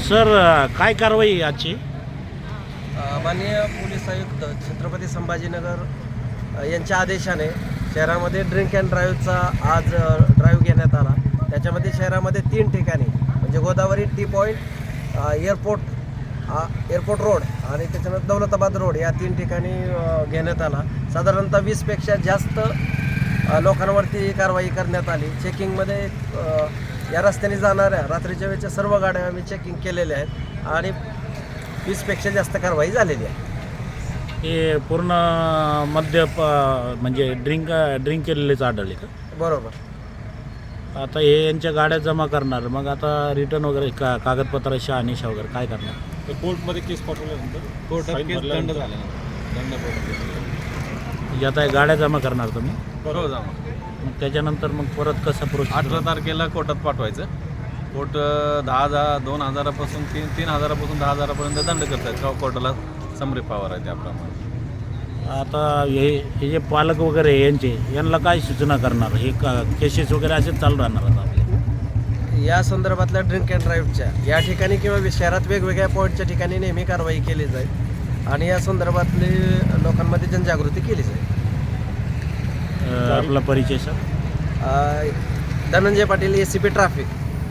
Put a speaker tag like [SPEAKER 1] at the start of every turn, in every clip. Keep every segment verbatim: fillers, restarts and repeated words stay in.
[SPEAKER 1] Sir काय कारवाई आजची?
[SPEAKER 2] माननीय पोलीस आयुक्त छत्रपती संभाजीनगर अ, यांच्या आदेशाने शहरामध्ये ड्रिंक अँड ड्राईव्हचा आज ड्राईव्ह घेण्यात आला. त्याच्यामध्ये शहरामध्ये तीन ठिकाणी म्हणजे Godavari T point, airport airport road आणि त्याच्यानंतर दौलताबाद रोड या तीन ठिकाणी अ, घेण्यात आला. साधारणतः वीसपेक्षा जास्त अ, लोकांवरती कारवाई करण्यात आली. चेकिंगमध्ये अ, या रस्त्याने जाणाऱ्या रात्रीच्या वेळेच्या सर्व गाड्या आम्ही चेकिंग केलेल्या आहेत आणि वीसपेक्षा जास्त कारवाई झालेली आहे.
[SPEAKER 1] हे पूर्ण मद्य प- म्हणजे ड्रिंक ड्रिंक केलेलेच आढळले का?
[SPEAKER 2] बरोबर.
[SPEAKER 1] आता हे यांच्या गाड्या जमा करणार, मग आता रिटर्न वगैरे का कागदपत्र शहानिशा वगैरे काय करणार?
[SPEAKER 3] तर कोर्टमध्ये केस पाठवल्यानंतर
[SPEAKER 4] कोर्टात
[SPEAKER 3] फाईन
[SPEAKER 4] केस दंड
[SPEAKER 3] भरल्यानंतर
[SPEAKER 4] झाल्यानंतर दंड भरला.
[SPEAKER 1] म्हणजे आता हे गाड्या जमा करणार तुम्ही,
[SPEAKER 4] हो जमा.
[SPEAKER 1] मग त्याच्यानंतर मग परत कसं प्रोसेस?
[SPEAKER 4] अठरा तारखेला कोर्टात पाठवायचं. कोर्ट अं, दहा हजार दोन हजारापासून तीन तीन हजारापासून दहा हजारापर्यंत दंड करतात का कोर्टाला समरी पावर आहे त्याप्रमाणे.
[SPEAKER 1] आता हे हे जे पालक वगैरे आहे यांचे, यांना काय सूचना करणार? हे का केसेस वगैरे असेच चालू राहणार आता आपले?
[SPEAKER 2] या संदर्भातल्या ड्रिंक अँड ड्राईव्हच्या या ठिकाणी किंवा शहरात वेगवेगळ्या पॉईंटच्या ठिकाणी नेहमी कारवाई केली जाईल आणि या संदर्भातली लोकांमध्ये जनजागृती केली जाईल.
[SPEAKER 1] अ, आपला परिचय सर?
[SPEAKER 2] अ, Dhananjay Patil, A C P traffic.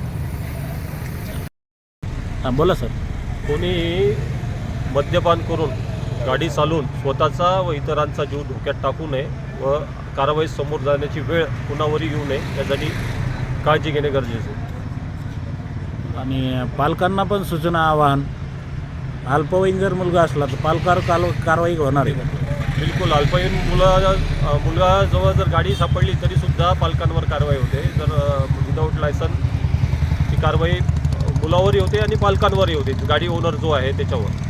[SPEAKER 1] हां बोला सर.
[SPEAKER 3] कोणीही मद्यपान करून गाडी चालवून स्वतःचा व इतरांचा जीव धोक्यात टाकू नये व कारवाई समोर जाण्याची वेळ कुणावरही येऊ नये यासाठी काळजी घेणे गरजेचे आहे.
[SPEAKER 1] आणि पालकांना पण सूचना, आवाहन, अल्पवयीन जर मुलगा असला तर पालकावर काल कारवाई होणार आहे का?
[SPEAKER 3] बिलकुल. अल्पवयीन मुला मुलगाजवळ जर गाडी सापडली तरीसुद्धा पालकांवर कारवाई होते. जर विदाऊट लायसन ची कारवाई मुलावरही होते आणि पालकांवरही होते, गाडी ओनर जो आहे त्याच्यावर.